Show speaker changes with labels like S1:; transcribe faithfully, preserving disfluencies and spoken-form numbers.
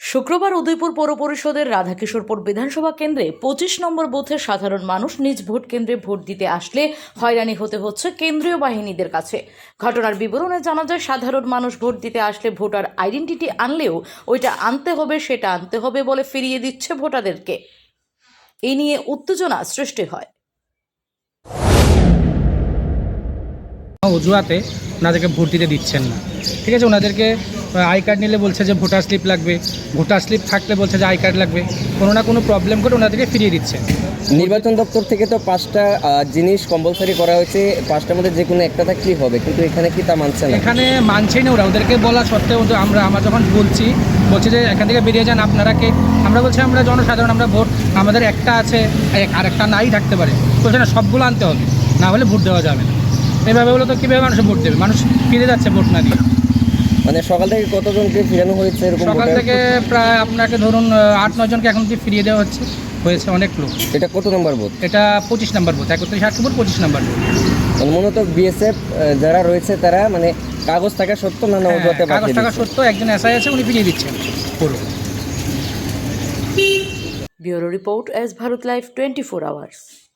S1: শুক্রবার উদয়পুর পৌর পরিষদের রাধাকিশোরপুর বিধানসভা কেন্দ্রে পঁচিশ নম্বর বুথে সাধারণ মানুষ নিজ ভোট কেন্দ্রে ভোট দিতে আসলে হয়রানি হতে হচ্ছে কেন্দ্রীয় বাহিনীদের কাছে। ঘটনার বিবরণে জানা যায়, সাধারণ মানুষ ভোট দিতে আসলে ভোটার আইডেন্টিটি আনলেও ওইটা আনতে হবে সেটা আনতে হবে বলে ফিরিয়ে দিচ্ছে ভোটারদেরকে। এই নিয়ে উত্তেজনা সৃষ্টি হয়।
S2: অজুহাতে ওনাদেরকে ভোট দিতে দিচ্ছেন না। ঠিক আছে, ওনাদেরকে আই কার্ড নিলে বলছে যে ভোটার স্লিপ লাগবে, ভোটার স্লিপ থাকলে বলছে যে আই কার্ড লাগবে, কোনো না কোনো প্রবলেম করে ওনাদেরকে ফিরিয়ে দিচ্ছে।
S3: নির্বাচন দপ্তর থেকে তো পাঁচটা জিনিস কম্পালসারি করা হয়েছে, পাঁচটার মধ্যে যে কোনো একটা থাকলেই হবে, কিন্তু এখানে কি তা মানছে না?
S2: এখানে মানছেই না ওরা। ওদেরকে বলা সত্ত্বেও আমরা আমরা যখন বলছি বলছি যে এখান থেকে বেরিয়ে যান আপনারা কে, আমরা বলছি আমরা জনসাধারণ, আমরা ভোট আমাদের একটা আছে, আর একটা নাই থাকতে পারে, বলছে না সবগুলো আনতে হবে, না হলে ভোট দেওয়া যাবে না। এইভাবে বলো তো কীভাবে মানুষ ভোট দেবে? মানুষ ফিরে যাচ্ছে ভোট না দিয়ে।
S3: মানে সকাল থেকে কতজনকে ফিরানো হয়েছে এরকম?
S2: সকাল থেকে প্রায় আপনাকে ধরুন আট নয় জনকে এখন অবধি ফিরিয়ে দেওয়া হচ্ছে, হয়েছে অনেক লোক।
S3: এটা কত নম্বর বুথ?
S2: এটা পঁচিশ নম্বর বুথ, একত্রিশ আটপুর পঁচিশ নম্বর বুথ।
S3: মানে মূলত বিএসএফ যারা রয়েছে তারা মানে কাগজ থাকা সত্ত্বেও না অজুহাতে
S2: কাগজ থাকা সত্ত্বেও একজন এসআই আছে, উনি ফিরিয়ে দিচ্ছেন পুরো।
S1: Bureau report, S Bharat live twenty four hours.